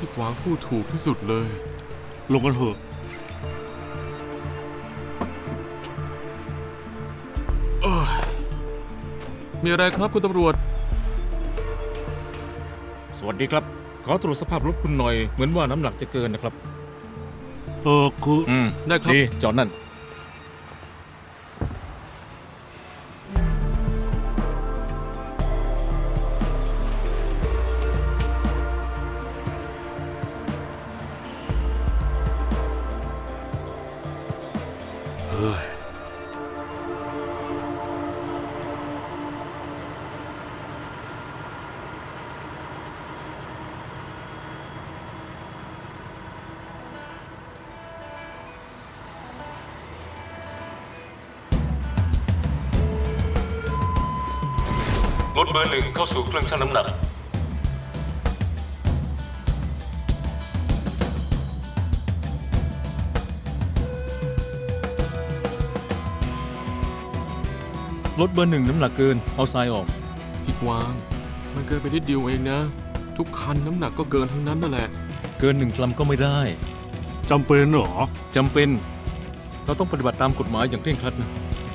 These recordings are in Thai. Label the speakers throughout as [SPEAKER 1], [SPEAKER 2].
[SPEAKER 1] พี่กวางพูดถูกที่สุดเลย
[SPEAKER 2] ลงกันเถอะ
[SPEAKER 1] มีอะไรครับคุณตำรวจ
[SPEAKER 3] สวัสดีครับขอตรวจสภาพรถคุณหน่อยเหมือนว่าน้ำหนักจะเกินนะครับ
[SPEAKER 2] คือ
[SPEAKER 1] ได้ครับ
[SPEAKER 3] ดีจอดนั่น
[SPEAKER 4] รถเบอร์ 1เข้าสู่เครื่องชั่งน้ำหนัก
[SPEAKER 3] รถเบอร์ 1น้ำหนักเกินเอาทรายออก
[SPEAKER 1] พี่กวางมันเกินไปนิดเดียวเองนะทุกคันน้ำหนักก็เกินทั้งนั้นนั่นแหละ
[SPEAKER 3] เกิน1 กรัมก็ไม่ได้
[SPEAKER 2] จำเป็นเหรอ
[SPEAKER 3] จำเป็นเราต้องปฏิบัติตามกฎหมายอย่างเคร่งครัดนะ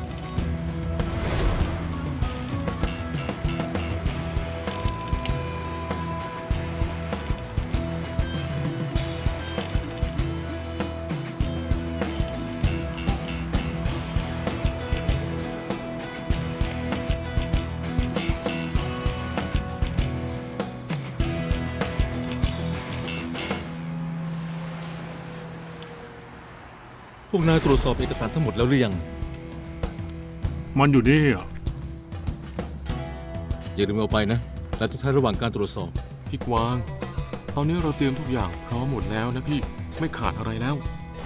[SPEAKER 3] พวกนายตรวจสอบเอกสารทั้งหมดแล้วหรือยัง
[SPEAKER 2] มันอยู่นี่อ่ะ
[SPEAKER 3] อย่าลืมเอาไปนะและทุกท่านระหว่างการตรวจสอบ
[SPEAKER 1] พี่กวางตอนนี้เราเตรียมทุกอย่างพร้อมหมดแล้วนะพี่ไม่ขาดอะไรแล้ว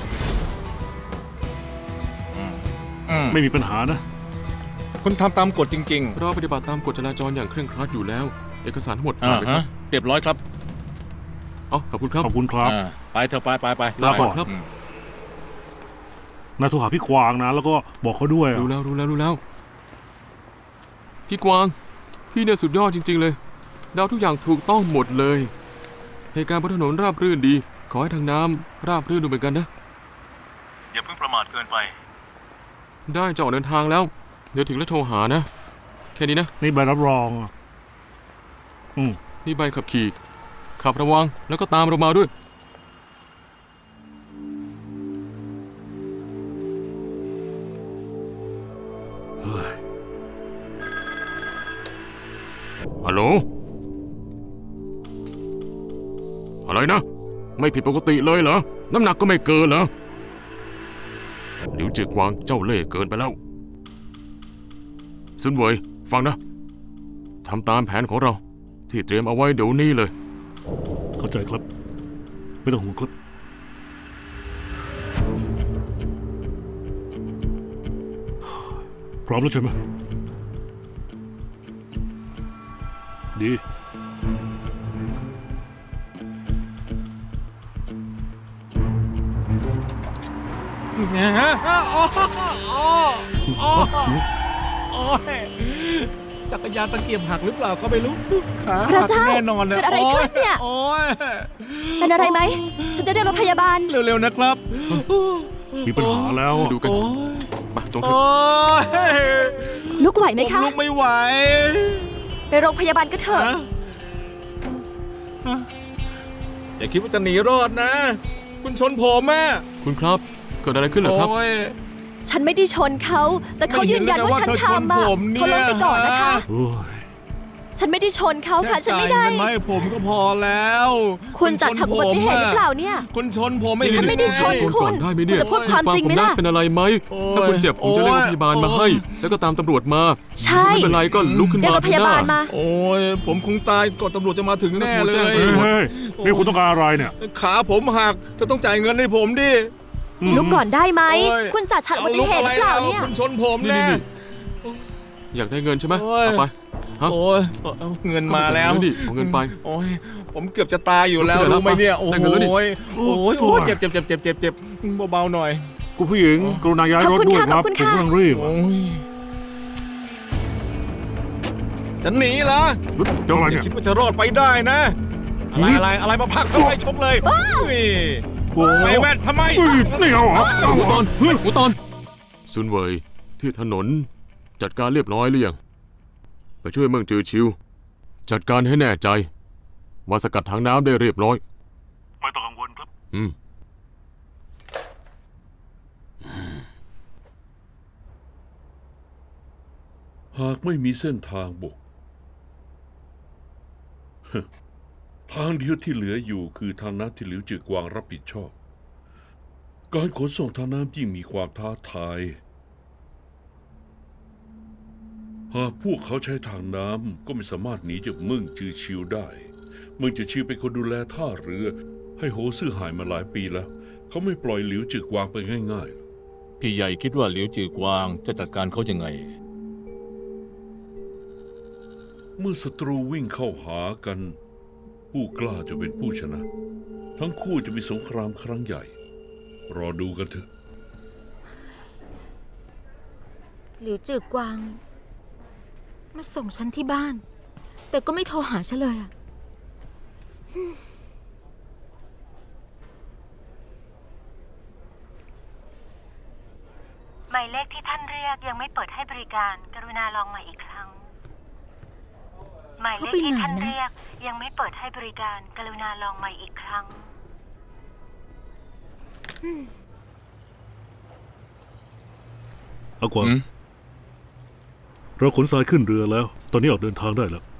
[SPEAKER 2] ไม่มีปัญหานะ
[SPEAKER 3] คุณทำตามกฎจริง
[SPEAKER 1] ๆเราปฏิบัติตามกฎจราจรอย่างเคร่งครัดอยู่แล้วเอกสารทั้งหมดผ่านไปครับ
[SPEAKER 3] เรียบร้อยครับ
[SPEAKER 1] ขอบคุณครับ
[SPEAKER 2] ขอบคุณครับ
[SPEAKER 3] ไปเถอะไป
[SPEAKER 1] ลาก่อนครับ
[SPEAKER 2] นายโทรหาพี่กวางนะแล้วก็บอกเขาด้วย
[SPEAKER 1] รู้แล้วพี่กวางพี่เนี่ยสุดยอดจริงๆเลยเดาทุกอย่างถูกต้องหมดเลยเหตุการณ์บนถนนราบรื่นดีขอให้ทางน้ำราบรื่นดูเหมือนกันนะ
[SPEAKER 4] อย่าเพิ่งประมาทเกินไป
[SPEAKER 1] ได้จะออกเดินทางแล้วเดี๋ยวถึงแล้วโทรหานะแค่นี้นะ
[SPEAKER 2] นี่ใบรับรอง
[SPEAKER 1] นี่ใบขับขี่ขับระวังแล้วก็ตามเรามาด้วย
[SPEAKER 4] ฮัลโหลอะไรนะไม่ผิดปกติเลยเหรอน้ำหนักก็ไม่เกินเหรอหลิวจือกวางเจ้าเล่ห์เกินไปแล้วซุนเว่ยฟังนะทำตามแผนของเราที่เตรียมเอาไว้เดี๋ยวนี้เลย
[SPEAKER 2] เข้าใจครับไม่ต้องห่วงครับพร้อมแล้วใช่ไหมดี
[SPEAKER 3] จักรยานตะเกียบหักหรือเปล่าก็ไม่รู้ขา
[SPEAKER 5] หัก
[SPEAKER 3] แน่นอน
[SPEAKER 5] เลยเกิดอะไรขึ้นเนี่ยเป็นอะไรไหมฉันจะเรียกรถพยาบาล
[SPEAKER 3] เร็วๆนะครับ
[SPEAKER 2] มีปัญหาแล้ว
[SPEAKER 1] ดูกันมาจงเถอะ
[SPEAKER 5] ลุกไหวไหมคะ
[SPEAKER 3] ลุกไม่ไหว
[SPEAKER 5] ไปโรงพยาบาลก็เถอะ
[SPEAKER 3] อย่าคิดว่าจะหนีรอดนะคุณชนผมแม่
[SPEAKER 1] คุณครับเกิดอะไรขึ้นเหรอครับ
[SPEAKER 5] ฉันไม่ได้ชนเขาแต่เขายืนยันว่าฉันทำเขาลงไปก่อนนะคะฉันไม่ได้ชนเขาค่ะฉันไม่ได้
[SPEAKER 3] ไม่ผมก็พอแล้ว
[SPEAKER 5] คุณจัดฉากอุบัติเหตุหรือเปล่าเนี่ย
[SPEAKER 3] คุณชนผม
[SPEAKER 5] ฉันไม่ได้ชนคุณจะพูดความจริงไหมล่ะ
[SPEAKER 1] เป็นอะไรไหมถ้าคุณเจ็บผมจะเรียกรถพยาบาลมาให้แล้วก็ตามตำรวจมา
[SPEAKER 5] ใช่
[SPEAKER 1] ไม่เป็นไรก็ลุกขึ้นมา
[SPEAKER 5] เรียกรถพยาบาลมา
[SPEAKER 3] โอ้ยผมคงตายก่อนตำรวจจะมาถึงแน่เลย
[SPEAKER 2] นี่คุณต้องการอะไรเนี่ย
[SPEAKER 3] ขาผมหักจะต้องจ่ายเงินให้ผมดิ
[SPEAKER 5] ลุกก่อนได้ไหมคุณจัดฉากอุบัติเหตุหรือเปล่าเนี่ย
[SPEAKER 3] คุณชนผมแน่
[SPEAKER 1] อยากได้เงินใช่ไหมเอาไป
[SPEAKER 3] โอ้ยเงินมาแล้ว
[SPEAKER 1] เอาเงินไป
[SPEAKER 3] โอ้ยผมเกือบจะตายอยู่แล้วรู้ไหมเนี่ยโอ้ยเจ็บเบาๆหน่อย
[SPEAKER 2] คุณผู้หญิงกรุณาย้ายรถด้วยครับผมกำลังรีบ
[SPEAKER 3] จะหนีเหรอ
[SPEAKER 2] คิด
[SPEAKER 3] ว่าจะรอดไปได้นะอะไรมาพักทำไมชกเลยนี่
[SPEAKER 2] โอ้โห
[SPEAKER 3] ไอ้แว่นทำไม
[SPEAKER 2] นี่เอาเหรอ
[SPEAKER 1] หูตอนหูตอนซุนเวยที่ถนนจัดการเรียบร้อยหรือยังไปช่วยเมืองจือชิว จัดการให้แน่ใจว่าสกัดถังน้ำได้เรียบร้อย
[SPEAKER 2] ไม่ต้องกังวลครับ
[SPEAKER 6] หากไม่มีเส้นทางบก ทางเดียวที่เหลืออยู่คือทางน้ำที่หลิวจือกวางรับผิดชอบ การขนส่งทางน้ำยิ่งมีความท้าทาย หากพวกเขาใช้ทางน้ำก็ไม่สามารถหนีจากเมืองจือชิวได้เมืองจือชิวเป็นคนดูแลท่าเรือ ให้โฮซื่อหายมาหลายปีแล้ว เขาไม่ปล่อยหลิวจือกวางไปง่ายๆ
[SPEAKER 3] พี่ใหญ่คิดว่าเหลียวจือกวางจะจัดการเขายังไง
[SPEAKER 6] เมื่อศัตรูวิ่งเข้าหากัน ผู้กล้าจะเป็นผู้ชนะ ทั้งคู่จะมีสงครามครั้งใหญ่ รอดูกันเถอะ
[SPEAKER 7] หลิวจือกวาง มาส่งฉันที่บ้าน แต่ก็ไม่โทรหาฉันเลยอะ
[SPEAKER 8] หมายเลขที่ท่านเรียกยังไม่เปิดให้บริการ กรุณาลองใหม่อีกครั้ง หมายเลขที่ท่านเรียกยังไม่เปิดให้บริการ กรุณาลองใหม่อีกครั้ง
[SPEAKER 2] เอากวางเราขนทรายขึ้นเรือแล้ว ตอนนี้ออกเดินทางได้แล้ว